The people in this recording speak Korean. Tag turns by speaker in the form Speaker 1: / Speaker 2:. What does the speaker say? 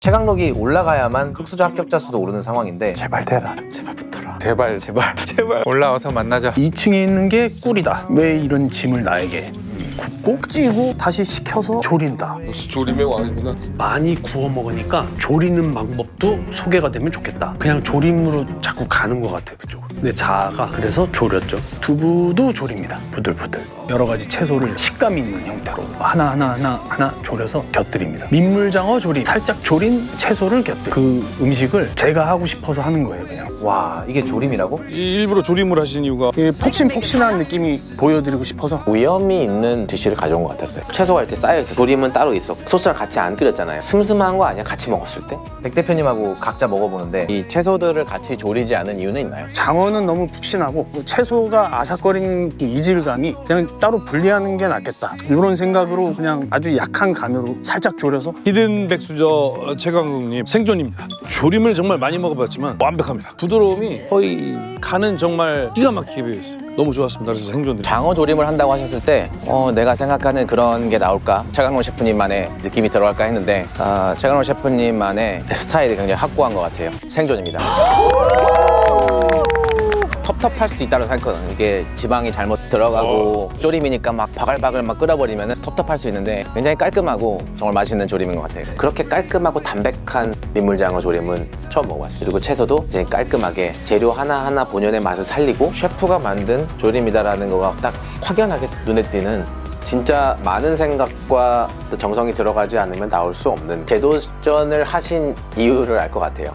Speaker 1: 최강록이 올라가야만 흑수저 합격자 수도 오르는 상황인데
Speaker 2: 제발 대라. 제발 붙어라.
Speaker 3: 제발 올라와서 만나자.
Speaker 2: 2층에 있는 게 꿀이다. 왜 이런 짐을 나에게 굽고 찌고 다시 식혀서 조린다.
Speaker 4: 역시 조림의 왕이구나.
Speaker 2: 많이 구워 먹으니까 조리는 방법도 소개가 되면 좋겠다. 그냥 조림으로 자꾸 가는 것 같아 그쪽으로. 근데 자아가 그래서 조렸죠. 두부도 조립니다. 부들부들. 여러 가지 채소를 식감 있는 형태로 하나 조려서 곁들입니다. 민물장어 조림, 살짝 조린 채소를 곁들. 그 음식을 제가 하고 싶어서 하는 거예요 그냥.
Speaker 1: 와 이게 조림이라고?
Speaker 4: 일부러 조림을 하신 이유가
Speaker 2: 폭신폭신한 느낌이 보여드리고 싶어서.
Speaker 5: 위험이 있는 디쉬를 가져온 것 같았어요. 채소가 이렇게 쌓여있어요. 조림은 따로 있었고 소스랑 같이 안 끓였잖아요. 슴슴한 거 아니야? 같이 먹었을 때?
Speaker 1: 백 대표님하고 각자 먹어보는데
Speaker 5: 이 채소들을 같이 조리지 않은 이유는 있나요?
Speaker 2: 장어는 너무 푹신하고 채소가 아삭거리는 그 이질감이 그냥 따로 분리하는 게 낫겠다. 이런 생각으로 그냥 아주 약한 간으로 살짝 졸여서.
Speaker 4: 히든 백수저 최강욱님 생존입니다. 조림을 정말 많이 먹어봤지만 완벽합니다. 부드러움이 거의 간은 정말 기가 막히게 배어있어요. 너무 좋았습니다. 그래서 생존드립니다.
Speaker 5: 장어 조림을 한다고 하셨을 때 내가 생각하는 그런 게 나올까? 최강록 셰프님만의 느낌이 들어갈까 했는데 최강록 셰프님만의 스타일이 굉장히 확고한 것 같아요. 생존입니다. 텁텁할 수도 있다고 생각하거든요. 이게 지방이 잘못 들어가고 조림이니까 막 바글바글 막 끓여버리면 텁텁할 수 있는데 굉장히 깔끔하고 정말 맛있는 조림인 것 같아요. 그렇게 깔끔하고 담백한 민물장어 조림은 처음 먹어봤어요. 그리고 채소도 이제 깔끔하게 재료 하나하나 본연의 맛을 살리고 셰프가 만든 조림이다라는 거가 딱 확연하게 눈에 띄는, 진짜 많은 생각과 또 정성이 들어가지 않으면 나올 수 없는 재도전을 하신 이유를 알 것 같아요.